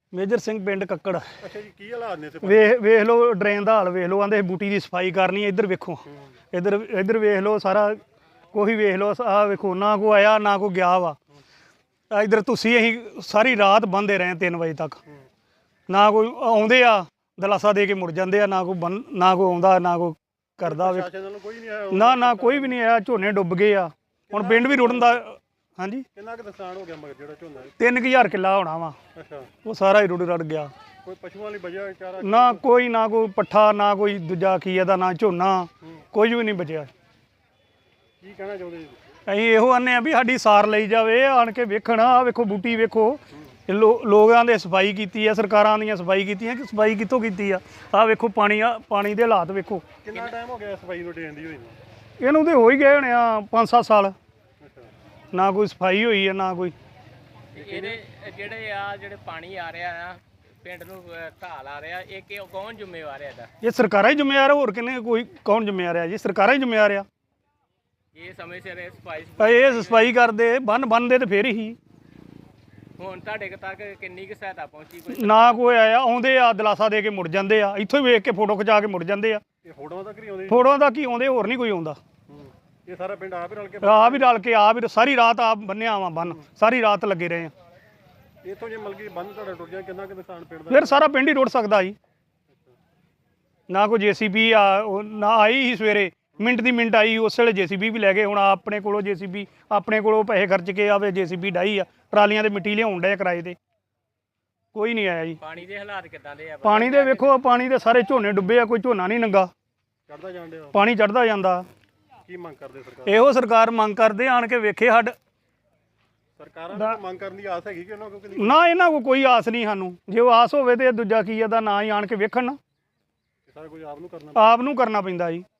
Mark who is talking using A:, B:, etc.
A: Major Singh ਪਿੰਡ ਕੱਕੜ।
B: ਅੱਛਾ ਜੀ, ਕੀ ਹਾਲਾਤ ਨੇ
A: ਵੇਖ ਲਓ ਡਰੇਨ ਦਾ ਹਾਲ ਵੇਖ ਲਓ, ਆਂਦੇ ਬੂਟੀ ਦੀ ਸਫਾਈ ਕਰਨੀ ਹੈ। ਇੱਧਰ ਵੇਖੋ, ਇੱਧਰ ਵੇਖ ਲਓ, ਸਾਰਾ ਕੋਈ ਵੇਖ ਲਓ, ਆਹ ਵੇਖੋ, ਨਾ ਕੋਈ ਆਇਆ ਨਾ ਕੋਈ ਗਿਆ ਵਾ। ਇੱਧਰ ਤੁਸੀਂ ਅਸੀਂ ਸਾਰੀ ਰਾਤ ਬੰਦੇ ਰਹੇ 3 ਵਜੇ ਤੱਕ, ਨਾ ਕੋਈ ਆਉਂਦੇ ਆ ਦਲਾਸਾ ਦੇ ਕੇ ਮੁੜ ਜਾਂਦੇ ਆ, ਨਾ ਕੋਈ ਆਉਂਦਾ ਨਾ ਕੋਈ ਕਰਦਾ। ਨਾ ਕੋਈ ਵੀ ਨਹੀਂ ਆਇਆ। ਝੋਨੇ ਡੁੱਬ ਗਏ ਆ, ਹੁਣ ਪਿੰਡ ਵੀ ਰੁੜਨ ਦਾ। ਹਾਂਜੀ,
B: ਕਿੰਨਾ ਕੁ ਨੁਕਸਾਨ ਹੋ ਗਿਆ ਮਗਰ ਜਿਹੜਾ ਝੋਨਾ
A: 3000 ਕਿੱਲਾ ਹੋਣਾ ਵਾ।
B: ਅੱਛਾ,
A: ਉਹ ਸਾਰਾ ਹੀ ਰੁੜ ਗਿਆ।
B: ਕੋਈ ਪਸ਼ੂਆਂ ਲਈ ਬਚਿਆ ਚਾਰਾ?
A: ਨਾ ਕੋਈ ਪੱਠਾ, ਨਾ ਕੋਈ ਦੂਜਾ ਕੀ ਇਹਦਾ, ਨਾ ਝੋਨਾ, ਕੁਝ ਵੀ ਨਹੀਂ ਬਚਿਆ।
B: ਕੀ ਕਹਿਣਾ ਚਾਹੁੰਦੇ ਜੀ?
A: ਅਸੀਂ ਇਹੋ ਆਨੇ ਆ ਵੀ ਸਾਡੀ ਸਾਰ ਲਈ ਜਾਵੇ, ਆਣ ਕੇ ਵੇਖਣ। ਆਹ ਵੇਖੋ ਬੂਟੀ ਵੇਖੋ, ਲੋਕਾਂ ਦੇ ਸਫਾਈ ਕੀਤੀ ਆ, ਸਰਕਾਰਾਂ ਦੀਆਂ ਸਫਾਈ ਕੀਤੀਆਂ ਕਿ ਸਫਾਈ ਕਿੱਥੋਂ ਕੀਤੀ ਆ? ਆਹ ਵੇਖੋ ਪਾਣੀ ਦੇ ਹਾਲਾਤ ਵੇਖੋ।
B: ਕਿੰਨਾ ਟਾਈਮ ਹੋ ਗਿਆ ਸਫਾਈ ਨੂੰ ਡੇਣ ਦੀ ਹੋਈ ਨੂੰ?
A: ਇਹਨੂੰ ਤੇ ਹੋ ਹੀ ਗਏ ਹੋਣੇ ਆ 5-7 ਸਾਲ। ਨਾ ਕੋਈ ਸਫਾਈ ਹੋਈ ਆ ਨਾ ਕੋਈ।
C: ਇਹਦੇ ਜਿਹੜੇ ਪਾਣੀ ਆ ਰਿਹਾ ਆ ਪਿੰਡ ਨੂੰ ਢਾਲ ਆ ਰਿਹਾ, ਇਹ ਕੌਣ ਜ਼ਿੰਮੇਵਾਰ ਹੈ ਇਹਦਾ?
A: ਇਹ ਸਰਕਾਰਾਂ ਹੀ ਜ਼ਿੰਮੇਵਾਰ ਆ, ਹੋਰ ਕਿੰਨੇ ਕੋਈ ਕੌਣ ਜ਼ਿੰਮੇਵਾਰ ਆ ਜੀ? ਸਰਕਾਰਾਂ ਹੀ ਜ਼ਿੰਮੇਵਾਰ ਆ।
C: ਇਹ ਸਮੇਂ ਸਿਰ ਸਫਾਈ
A: ਇਹ ਸਫਾਈ ਕਰਦੇ ਬੰਨਦੇ ਤੇ ਫੇਰ ਹੀ।
C: ਹੁਣ ਤੁਹਾਡੇ ਤੱਕ ਕਿੰਨੀ ਕੁ ਸਹਾਇਤਾ ਪਹੁੰਚੀ? ਕੋਈ
A: ਨਾ ਕੋਈ ਆਇਆ, ਆਉਂਦੇ ਆ ਦਲਾਸਾ ਦੇ ਕੇ ਮੁੜ ਜਾਂਦੇ ਆ, ਇੱਥੋਂ ਹੀ ਵੇਖ ਕੇ ਫੋਟੋ ਖਿਚਾ ਕੇ ਮੁੜ ਜਾਂਦੇ ਆ।
B: ਇਹ ਫੋਟੋਆਂ ਤੱਕ ਨਹੀਂ ਆਉਂਦੇ?
A: ਫੋਟੋਆਂ ਦਾ ਕੀ ਆਉਂਦੇ, ਹੋਰ ਨਹੀਂ ਕੋਈ ਆਉਂਦਾ।
B: ਇਹ ਸਾਰਾ ਪਿੰਡ ਆਪ ਹੀ ਰਲ ਕੇ
A: ਸਾਰੀ ਰਾਤ ਆਪ ਬੰਨਿਆ ਵਾ ਬੰਨ, ਸਾਰੀ ਰਾਤ ਲੱਗੇ ਰਹੇ ਆ।
B: ਇੱਥੋਂ ਜੇ ਮਲਕੀ ਬੰਨ ਤੁਹਾਡਾ ਟੁੱਟ ਗਿਆ, ਕਿੰਨਾ ਕੁ ਨੁਕਸਾਨ ਪਿੰਡ ਦਾ?
A: ਫਿਰ ਸਾਰਾ ਪਿੰਡ ਹੀ ਰੁੜ ਸਕਦਾ ਜੀ। ਨਾ ਕੋਈ JCB ਨਾ ਆਈ ਸੀ ਸਵੇਰੇ, ਮਿੰਟ ਦੀ ਮਿੰਟ ਆਈ, ਉਸ ਵੇਲੇ JCB ਵੀ ਲੈ ਗਏ। ਹੁਣ ਆਪਣੇ ਕੋਲੋਂ JCB ਆਪਣੇ ਕੋਲੋਂ ਪੈਸੇ ਖਰਚ ਕੇ ਆਵੇ JCB ਡਾਈ ਆ, ਟਰਾਲੀਆਂ ਦੇ ਮਿੱਟੀ ਲਿਆਉਣ ਡਿਆ ਕਿਰਾਏ ਤੇ। ਕੋਈ ਨਹੀਂ ਆਇਆ ਜੀ।
C: ਪਾਣੀ ਦੇ ਹਾਲਾਤ ਕਿੱਦਾਂ ਦੇ ਆ?
A: ਪਾਣੀ ਦੇ ਵੇਖੋ, ਪਾਣੀ ਦੇ ਸਾਰੇ ਝੋਨੇ ਡੁੱਬੇ ਆ, ਕੋਈ ਝੋਨਾ ਨਹੀਂ ਨੰਗਾ,
B: ਚੜਦਾ ਜਾਣ ਡਿਆ।
A: ਪਾਣੀ ਚੜਦਾ ਜਾਂਦਾ।
B: ਕੀ ਮੰਗ ਕਰਦੇ ਸਰਕਾਰ?
A: ਇਹੋ ਸਰਕਾਰ ਮੰਗ ਕਰਦੇ ਆਣ ਕੇ ਵੇਖੇ
B: ਸਰਕਾਰਾਂ ਨੂੰ ਮੰਗ ਕਰਨ ਦੀ ਆਸ ਹੈਗੀ ਕਿ ਉਹਨਾਂ ਕੋਲ?
A: ਨਾ, ਇਹਨਾਂ ਕੋਲ ਕੋਈ ਆਸ ਨਹੀਂ ਸਾਨੂੰ। ਜੇ ਉਹ ਆਸ ਹੋਵੇ ਤੇ ਦੂਜਾ ਕੀ ਇਹਦਾ ਨਾ ਹੀ ਆਣ ਕੇ ਵੇਖਣ।
B: ਸਾਰਾ ਕੁਝ ਆਪ ਨੂੰ ਕਰਨਾ
A: ਪੈਂਦਾ ਜੀ।